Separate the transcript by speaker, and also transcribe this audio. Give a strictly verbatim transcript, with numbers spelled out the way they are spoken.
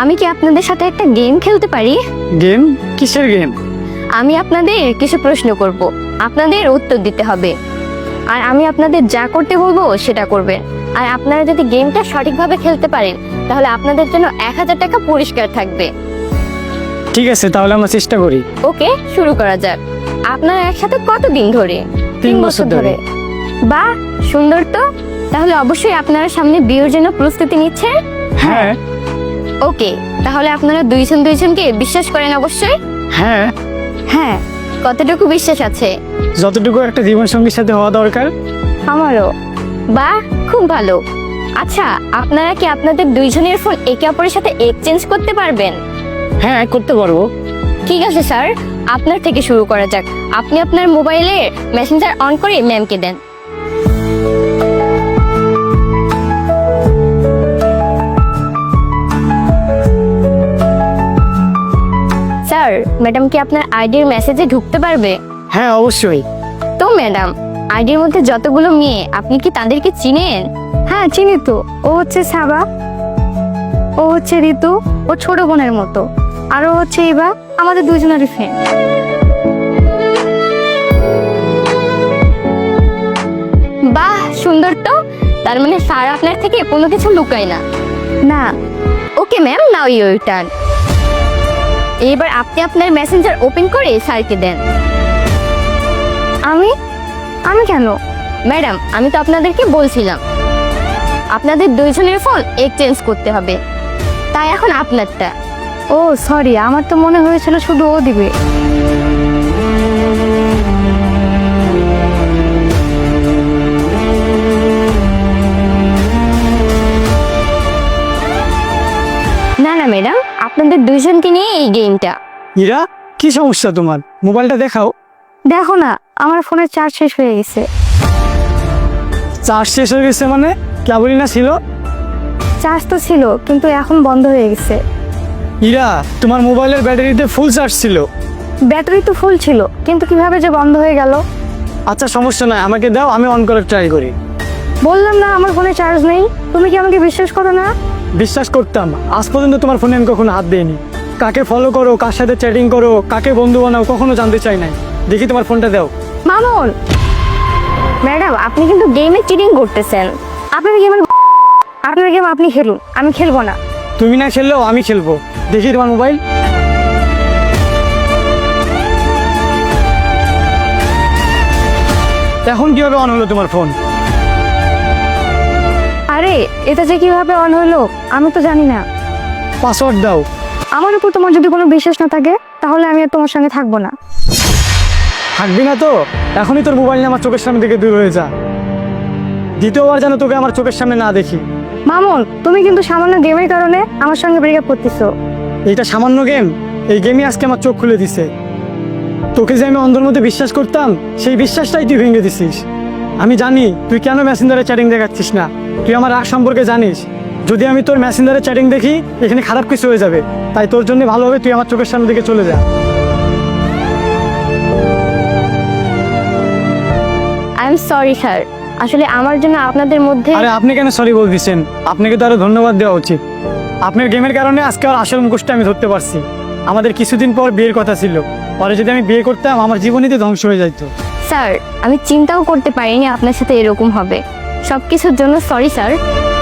Speaker 1: আমি কি আপনাদের সাথে একটা গেম খেলতে পারি?
Speaker 2: গেম? কিসের গেম?
Speaker 1: আমি আপনাদের কিছু প্রশ্ন করব, আপনাদের উত্তর দিতে হবে, আর আমি আপনাদের যা করতে বলবো সেটা করবেন। আর আপনারা যদি গেমটা সঠিকভাবে খেলতে পারেন তাহলে আপনাদের জন্য এক হাজার টাকা পুরস্কার থাকবে।
Speaker 2: ঠিক আছে, তাহলে আমরা চেষ্টা করি।
Speaker 1: ওকে, শুরু করা যাক। আপনারা একসাথে কতদিন ধরে?
Speaker 2: তিন বছর ধরে।
Speaker 1: বাহ, সুন্দর তো। তাহলে অবশ্যই আপনারা সামনে বিয়ের জন্য প্রস্তুতি নিচ্ছেন।
Speaker 2: হ্যাঁ।
Speaker 1: ওকে, তাহলে আপনারা দুইজন দুইজনকে বিশ্বাস করেন অবশ্যই?
Speaker 2: হ্যাঁ।
Speaker 1: হ্যাঁ। কতটুকু বিশ্বাস আছে?
Speaker 2: যতটুকু একটা জীবন সঙ্গীর সাথে হওয়া দরকার।
Speaker 1: আমারও। বাহ, খুব ভালো। আচ্ছা, আপনারা কি আপনাদের দুইজনের ফোন একে অপরের সাথে এক্সচেঞ্জ করতে পারবেন?
Speaker 2: হ্যাঁ, করতে পারবো।
Speaker 1: ঠিক আছে স্যার, আপনার থেকে শুরু করা যাক। আপনি আপনার মোবাইলে মেসেঞ্জার অন করে ম্যামকে দেন। স্যার, ম্যাডাম কি আপনার আইডির মেসেজে ঢুকতে পারবে?
Speaker 2: হ্যাঁ, অবশ্যই।
Speaker 1: তো ম্যাডাম, আইডির মধ্যে যতগুলো মেয়ে, আপনি কি তাদেরকে চিনেন?
Speaker 3: হ্যাঁ, চিনি তো। ও হচ্ছে সাবা, ও হচ্ছে ঋতু, ও ছোট বোনের মতো, আর ও হচ্ছে ইভা, আমাদের দুজনেরই ফ্রেন্ড।
Speaker 1: বাহ, সুন্দর তো। তার মানে স্যার আপনার থেকে কোনো কিছু লুকায় না।
Speaker 3: না।
Speaker 1: Okay ma'am, now your turn. এবার আপনি আপনার মেসেঞ্জার ওপেন করে স্যারকে দেন।
Speaker 3: আমি আমি কেন?
Speaker 1: ম্যাডাম, আমি তো আপনাদেরকে বলছিলাম আপনাদের দুইজনের ফোন এক্সচেঞ্জ করতে হবে, তাই এখন আপনারটা।
Speaker 3: ও সরি, আমার তো মনে হয়েছিল শুধু ও দিবে।
Speaker 1: না না ম্যাডাম, আপনাদের দুইজনকে নিয়ে এই গেমটা।
Speaker 2: ইরা, কি সমস্যা তোমার? মোবাইলটা দেখাও।
Speaker 3: দেখো না, আমার ফোনের চার্জ শেষ হয়ে গেছে।
Speaker 2: চার্জ শেষ হয়ে গেছে মানে? কেবলই না ছিল।
Speaker 3: চার্জ তো ছিল, কিন্তু এখন বন্ধ হয়ে গেছে।
Speaker 2: ইরা, তোমার মোবাইলের ব্যাটারিতে ফুল চার্জ ছিল।
Speaker 3: ব্যাটারি তো ফুল ছিল, কিন্তু কিভাবে যে বন্ধ হয়ে গেল?
Speaker 2: আচ্ছা, সমস্যা নাই, আমাকে দাও, আমি অন করার ট্রাই করি।
Speaker 3: বললাম না আমার ফোনে চার্জ নেই। তুমি কি আমাকে বিশ্বাস করো না?
Speaker 2: বিশ্বাস করতাম, আজ পর্যন্ত তোমার ফোনে আমি কখনো হাত দিইনি। কাকে ফলো করো, কার সাথে চ্যাটিং করো, কাকে বন্ধু বানাও, কখনো জানতে চাই নাই। দেখি তোমার ফোনটা দাও।
Speaker 3: মামুন,
Speaker 1: ম্যাডাম, আপনি কিন্তু গেমে চিটিং করতেছেন।
Speaker 3: আপনার গেম আপনার গেম আপনি খেলুন, আমি খেলবো না।
Speaker 2: তুমি না খেললেও আমি খেলবো। দেখি তোমার মোবাইল। এখন কিভাবে অন হলো তোমার ফোন?
Speaker 3: আরে, এটা যে কিভাবে অন হলো আমি তো জানি না।
Speaker 2: পাসওয়ার্ড দাও।
Speaker 3: আমার উপর তোমার যদি কোনো বিশ্বাস না থাকে তাহলে আমি আর তোমার সঙ্গে থাকবো না।
Speaker 2: থাকবি না তো? এখনই তোর মোবাইল নিয়ে আমার চোখের সামনে থেকে দূর হয়ে যা। দ্বিতীয়বার যেন তোকে আমার চোখের সামনে না দেখি।
Speaker 3: মামুন, তুমি কিন্তু সামান্য গেমের কারণে আমার সঙ্গে ব্রেকআপ করতেছো।
Speaker 2: এইটা সামান্য গেম? এই গেমই আজকে আমার চোখ খুলে দিছে। তোকে যে আমি অন্ধের মধ্যে বিশ্বাস করতাম, সেই বিশ্বাসটাই তুই ভেঙে দিছিস। আমি জানি তুই কেন মেসেঞ্জারে চ্যাটিং দেখাচ্ছিস না। তুই আমার রাগ সম্পর্কে জানিস। যদি আমি তোর মেসেঞ্জারে চ্যাটিং দেখি, এখানে খারাপ কিছু হয়ে যাবে। তাই তোর জন্য ভালো হবে তুই আমার চোখের সামনে থেকে চলে যা।
Speaker 1: আই এম সরি স্যার, আসলে আমার জন্য আপনাদের মধ্যে।
Speaker 2: আরে আপনি কেন সরি বলতেছেন? আপনাকে তো আরো ধন্যবাদ দেওয়া উচিত। আপনার গেমের কারণে আজকে আর আসল মুখোশটা আমি ধরতে পারছি। আমাদের কিছুদিন পর বিয়ের কথা ছিল, পরে যদি আমি বিয়ে করতাম আমার জীবনই তো ধ্বংস হয়ে যেত।
Speaker 1: স্যার, আমি চিন্তাও করতে পারিনি আপনার সাথে এরকম হবে। সবকিছুর জন্য সরি স্যার।